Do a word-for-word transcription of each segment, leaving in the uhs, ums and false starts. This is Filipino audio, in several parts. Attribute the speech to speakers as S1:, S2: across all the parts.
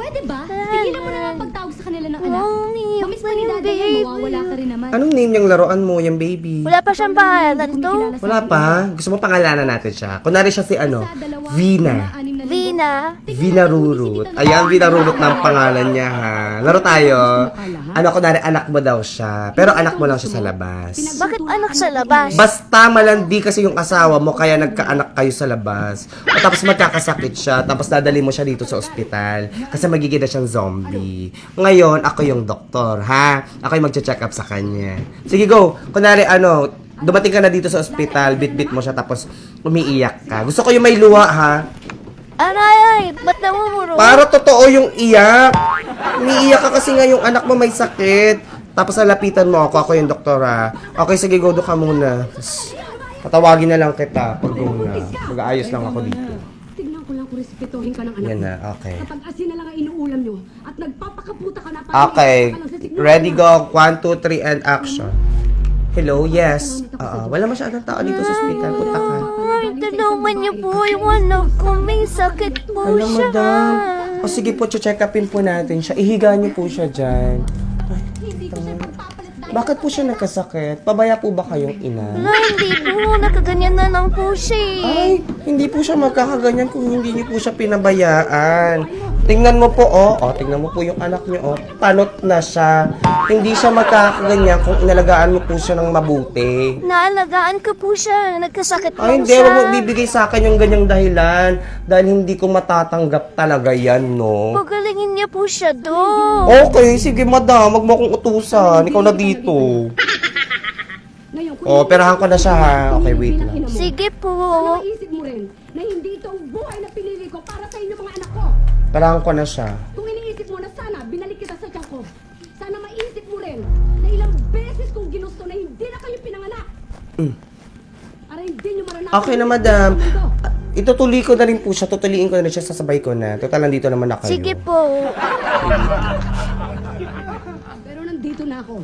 S1: Pwede ba? Tigilan mo na lang pagtawag sa kanila ng anak.
S2: Mommy,
S1: Mamiss pa ni Daddy yan, mawawala ka rin naman.
S3: Anong name yung laruan mo, yung baby?
S2: Wala pa siyang pangalan to.
S3: Wala pa? Gusto mo pangalanan natin siya? Kunwari siya si ano? Vina.
S2: Vina.
S3: Vina Rurut. Ayan, Vina Rurut ng pangalan niya ha. Laro tayo. Ano, kunwari anak mo daw siya. Pero anak mo lang siya sa labas.
S2: Bakit anak sa labas?
S3: Basta malandi kasi yung asawa mo, kaya nagkaanak kayo sa labas. O tapos magkakasakit siya, tapos dadali mo siya dito sa ospital. Kasi magiging na siyang zombie. Ngayon, ako yung doktor, ha? Ako yung magche-check up sa kanya. Sige, go. Kunwari, ano, dumating ka na dito sa ospital, bit-bit mo siya, tapos umiiyak ka. Gusto ko yung may luha, ha?
S2: Aray, ay, ba't namumuro?
S3: Para totoo yung iyak. Umiiyak ka kasi nga yung anak mo may sakit. Tapos nalapitan mo ako, ako yung doktora. Okay, sige, go do ka muna. Tapos, patawagin na lang kita pag go na. Mag-aayos lang ako dito.
S1: Tignan ko lang kung respetuhin ka ng anak
S3: Yan
S1: mo.
S3: na, okay.
S1: Kapag asin na lang ang inuulam nyo at nagpapakaputa ka na
S3: Okay, ready, go. One, two, three, and action. Hello, yes. Oo, wala masyadong tao dito sa ospital. Punta ka.
S2: Ay, tulungan niyo po yung anak ko. May sakit po
S3: Hello,
S2: siya.
S3: madam. O sige po, check upin po natin siya. Ihiga niyo po siya dyan. Bakit po siya nagkasakit? Pabaya po ba kayong ina?
S2: Wala, hindi po. Nakaganyan na lang po siya eh.
S3: Ay, hindi po siya magkakaganyan kung hindi niyo po siya pinabayaan. Tingnan mo po, oh. Oh, tingnan mo po yung anak niyo, oh. Panot na siya. Hindi siya magkakaganyan kung inalagaan mo po siya ng mabuti.
S2: Naalagaan ko po siya. Nagkasakit po
S3: Ay, hindi.
S2: siya.
S3: Huwag mo bibigay sa akin yung ganyang dahilan. Dahil hindi ko matatanggap talaga yan, no?
S2: Pagalingin niya po siya do.
S3: Okay, sige, madam. Huwag mo akong utusan. Ikaw na dito. Oh, perahan ko na siya, ha? Okay, wait lang.
S2: Sige po.
S1: Sana maisip mo rin na hindi ito ang buhay na pinili ko para sa inyo mga anak ko.
S3: Perahan ko na siya.
S1: Kung iniisip mo na sana binalik kita sa tiyan ko, sana maisip mo rin na ilang beses kong ginusto na hindi na kayo pinanganak.
S3: Mm.
S1: Para hindi nyo maranasan.
S3: Okay na, madam. Ah, Itutuloy ko na rin po siya. Tutuliin ko na rin siya. Sasabay ko na. Total, nandito naman na kayo.
S2: Sige po.
S1: Pero nandito na ako.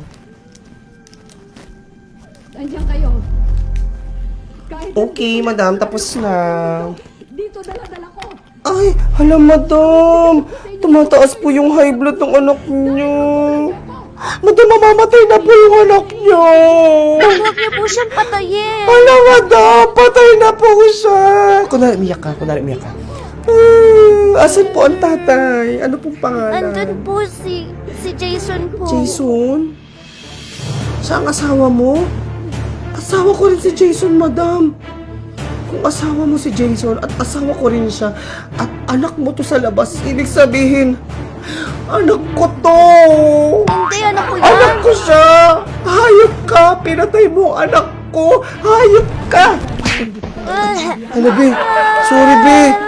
S1: Andiyan kayo. Kahit
S3: Okay, madam. Tapos na.
S1: dito dala-dala ko.
S3: Ay, hala, madam. Tumataas po yung high blood ng anak niyo. Madam, mamamatay na po yung anak niyo.
S2: Huwag niyo po siyang patayin.
S3: Hala, madam. Patay na po siya. Kunwari, umiyak ka. Kunwari, umiyak ka. Ah, asan po ang tatay? Ano pong pangalan?
S2: Andun po si si Jason po.
S3: Jason? Siya ang asawa mo? Asawa ko rin si Jason, madam. Kung asawa mo si Jason at asawa ko rin siya at anak mo to sa labas, ibig sabihin, anak ko to!
S2: Hindi, anak ko yan.
S3: Anak ko siya! Hayop ka! Pinatay mo ang anak ko! Hayop ka!
S2: Ah,
S3: Ano, be? Sorry, be.